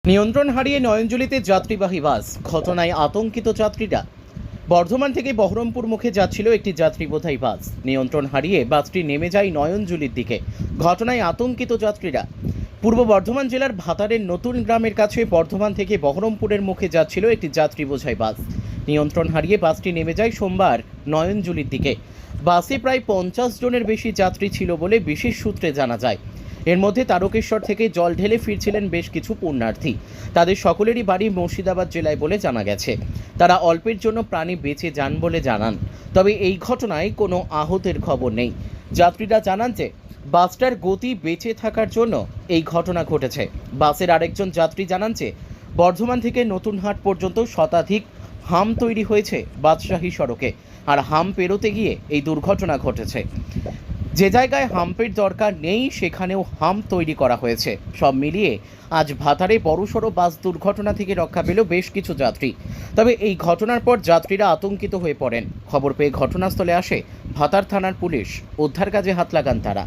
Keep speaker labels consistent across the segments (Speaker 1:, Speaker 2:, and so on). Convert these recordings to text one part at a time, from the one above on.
Speaker 1: নিয়ন্ত্রণ হারিয়ে নয়নজলিতে যাত্রীবাহী বাস, ঘটনায় আতঙ্কিত যাত্রীরা। বর্ধমান থেকে বহরমপুর মুখে যাচ্ছিল একটি যাত্রীবোঝাই বাস। নিয়ন্ত্রণ হারিয়ে বাসটি নেমে যায় নয়নজলির দিকে। ঘটনায় আতঙ্কিত যাত্রীরা। পূর্ব বর্ধমান জেলার ভাতারের নতুন গ্রামের কাছে বর্ধমান থেকে বহরমপুরের মুখে যাচ্ছিল একটি যাত্রীবোঝাই বাস। নিয়ন্ত্রণ হারিয়ে বাসটি নেমে যায় সোমবার নয়নজলির দিকে। বাসে প্রায় 50 জনের বেশি যাত্রী ছিল বলে বিশেষ সূত্রে জানা যায়। এর মধ্যে তারকেশ্বর থেকে জল ঢেলে ফিরছিলেন বেশ কিছু পুণ্যার্থী। তাদের সকলেরই বাড়ি মুর্শিদাবাদ জেলায় বলে জানা গেছে। তারা অল্পের জন্য প্রাণে বেঁচে যান বলে জানান। তবে এই ঘটনায় কোনো আহতের খবর নেই। যাত্রীরা জানান যে বাসটার গতি বেঁচে থাকার জন্য এই ঘটনা ঘটেছে। বাসের আরেকজন যাত্রী জানান যে বর্ধমান থেকে নতুনহাট পর্যন্ত শতাধিক হাম তৈরি হয়েছে বাদশাহী সড়কে, আর হাম পেরোতে গিয়ে এই দুর্ঘটনা ঘটেছে। যে জায়গায় হাম্পের দরকার নেই সেখানেও হাম্প তৈরি করা হয়েছে। সব মিলিয়ে আজ ভাতারে বড়সড় বাস দুর্ঘটনা থেকে রক্ষা পেল বেশ কিছু যাত্রী। তবে এই ঘটনার পর যাত্রীরা আতঙ্কিত হয়ে পড়েন। খবর পেয়ে ঘটনাস্থলে আসে ভাতার থানার পুলিশ। উদ্ধার কাজে হাত লাগান তারা।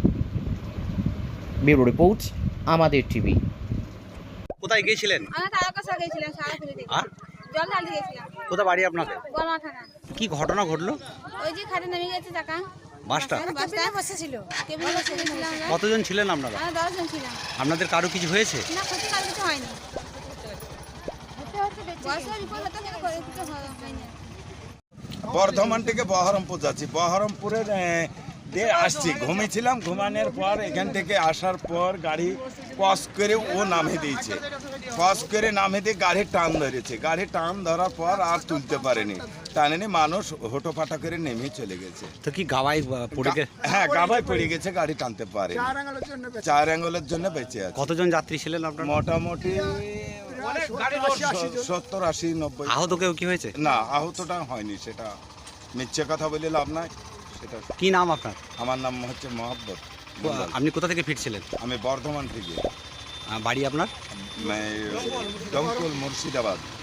Speaker 1: ব্যুরো রিপোর্ট, আমাদের টিভি।
Speaker 2: কোথায় গিয়েছিলেন?
Speaker 3: আমরা তারকেশ্বর গেছিলাম সারাপুরি থেকে।
Speaker 2: আর
Speaker 3: জল ঢালতে গেছিলাম।
Speaker 2: কোথা বাড়ি আপনাদের?
Speaker 3: গলমা থানা।
Speaker 2: কি ঘটনা ঘটলো?
Speaker 3: ওই যে খাটে নেমে গেছে চাকা।
Speaker 2: বাসটা
Speaker 3: বাসটায় বসেছিল। কেবল বসে গেছিলাম আমরা।
Speaker 2: কতজন ছিলেন আপনারা?
Speaker 3: আমরা 10 জন ছিলাম।
Speaker 2: আপনাদের কারো কিছু হয়েছে?
Speaker 3: না, ক্ষতি কার কিছু হয়নি। বয়সের রিপোর্ট হতো কিন্তু করে কিছু হয়নি।
Speaker 4: বর্ধমান থেকে বহরমপুর যাচ্ছি। বহরমপুরের দিয়ে আসছি, ঘুমিয়েছিলাম। ঘুমানোর পর এখান থেকে আসার পর গাড়ি ক্রস করে ও নামে দিয়েছে। ক্রস করে নামে দিয়ে গাড়ি টান ধরেছে। গাড়ি টান ধরার পর আর তুলতে পারেনি। টানেনি, মানুষ হোটোপাটা করে নেমে চলে গেছে।
Speaker 2: তো কি গাওয়ায় পড়ে গেছে?
Speaker 4: হ্যাঁ, গাবায় পড়ে গেছে, গাড়ি টানতে পারে। 4 আঙ্গুলের জন্য বেঁচে আছে।
Speaker 2: কতজন যাত্রী ছিলেন আপনারা?
Speaker 4: মোটামুটি 70, 80, 90।
Speaker 2: আহত কেউ কি হয়েছে?
Speaker 4: না, আহতটা হয়নি। সেটা মিথ্যে কথা বলে লাভ নাই। সেটা
Speaker 2: কি নাম আপনার?
Speaker 4: আমার নাম হচ্ছে মোহাম্মদ।
Speaker 2: আপনি কোথা থেকে ফিরছিলেন?
Speaker 4: আমি বর্ধমান থেকে,
Speaker 2: বাড়ি আপনার?
Speaker 4: ডঙ্কুল, মুর্শিদাবাদ।